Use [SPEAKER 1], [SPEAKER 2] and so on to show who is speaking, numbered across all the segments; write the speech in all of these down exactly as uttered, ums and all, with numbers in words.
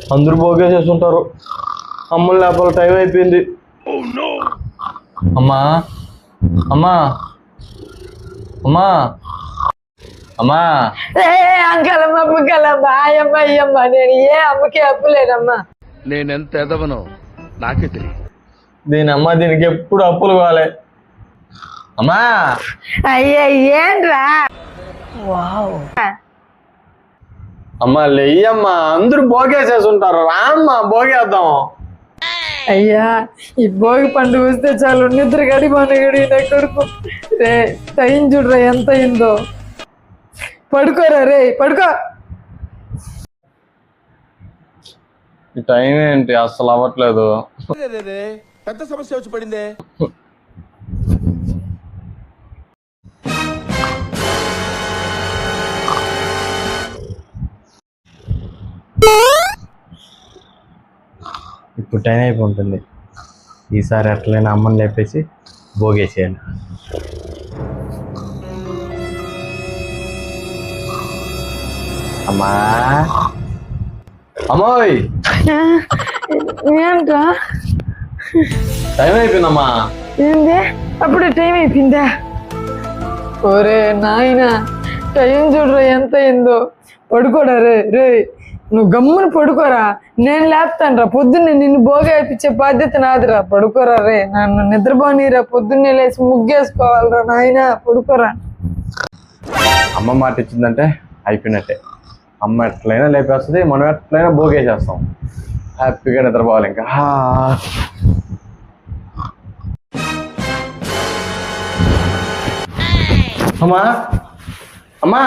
[SPEAKER 1] అందరూ భోగేసేస్తుంటారు. అమ్మలు లేపాలి, టైం అయిపోయింది. అమ్మా అమ్మా అమ్మా అమ్మా
[SPEAKER 2] అంకలమ్మ బుక్కలమ్మ ఆయమ్మ అయ్యమ్మ నేను ఏ అమ్మకి అప్పులేనమ్మా.
[SPEAKER 3] నేనెంత ఎదవనో నాకే తెలియదు.
[SPEAKER 1] దీని అమ్మ దీనికి ఎప్పుడు అప్పులు కావాలి. అమ్మా
[SPEAKER 2] అయ్యా ఏంట్రా
[SPEAKER 1] అమ్మా లేయ్యమ్మా, అందరూ భోగేసేస్తుంటారు. రామ్మా భోగేద్దాం.
[SPEAKER 2] అయ్యా ఈ భోగి పండుగ వస్తే చాలు నిద్ర గడి మనగడి నా కొడుకు రే టైం చూడరా ఎంత అయిందో. పడుకోరా రే పడుకో.
[SPEAKER 1] ఈ టైం ఏంటి అసలు అవ్వట్లేదు.
[SPEAKER 3] పెద్ద సమస్య వచ్చి పడిందే.
[SPEAKER 1] ఇప్పుడు టైం అయిపోతుంది. ఈసారి ఎట్లయినా అమ్మని లేపేసి భోగేసేయాలి. అమ్మా అమ్మోయ్
[SPEAKER 2] ఏంట్రా
[SPEAKER 1] టైం అయిపోయిందమ్మా.
[SPEAKER 2] ఏంది అప్పుడే టైం అయిపోయిందా? ఓరే నాయన టైం చూడరా ఎంత అయిందో. పడుకోరా రే రే నువ్వు గమ్మున పడుకోరా, నేను లేపుతాను రా. పొద్దున్నే నిన్ను భోగి అయిపించే బాధ్యత నాదిరా. పడుకోరా రే, నన్ను నిద్రపోనీరా. పొద్దున్నే లేచి ముగ్గేసుకోవాలరా నాయన. పడుకోరా.
[SPEAKER 1] అమ్మ మాట ఇచ్చిందంటే అయిపోయినట్టే. అమ్మ ఎట్లయినా లేపేస్తుంది, మనం ఎట్లయినా భోగేసేస్తాం. హ్యాపీగా నిద్రపోవాలి ఇంకా. అమ్మా అమ్మా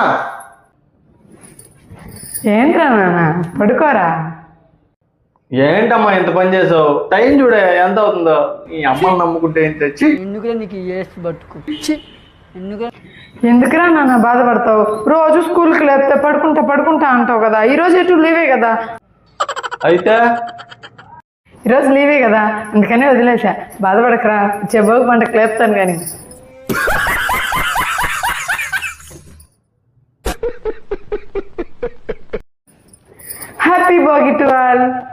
[SPEAKER 2] ఏంట్రా నాన్న పడుకోరా.
[SPEAKER 1] ఏంటమ్మా ఇంత పని చేసావు? టైం చూడే ఎంత అవుతుందో. ఈ అమ్మని నమ్ముకుంటే ఏం తెచ్చి
[SPEAKER 4] ఎందుకురా నీకు ఏసి పట్టుకు ఎందుకు
[SPEAKER 2] ఎందుకురా నాన్న బాధపడతావు? రోజు స్కూల్కి లేపితే పడుకుంటా పడుకుంటా అంటావు కదా. ఈరోజు ఎటు లీవే కదా.
[SPEAKER 1] అయితే
[SPEAKER 2] ఈరోజు లీవే కదా అందుకనే వదిలేసా. బాధపడకరా, చెబ్బోగు పంటకు లేపుతాను కానీ. Happy Bhogi to all.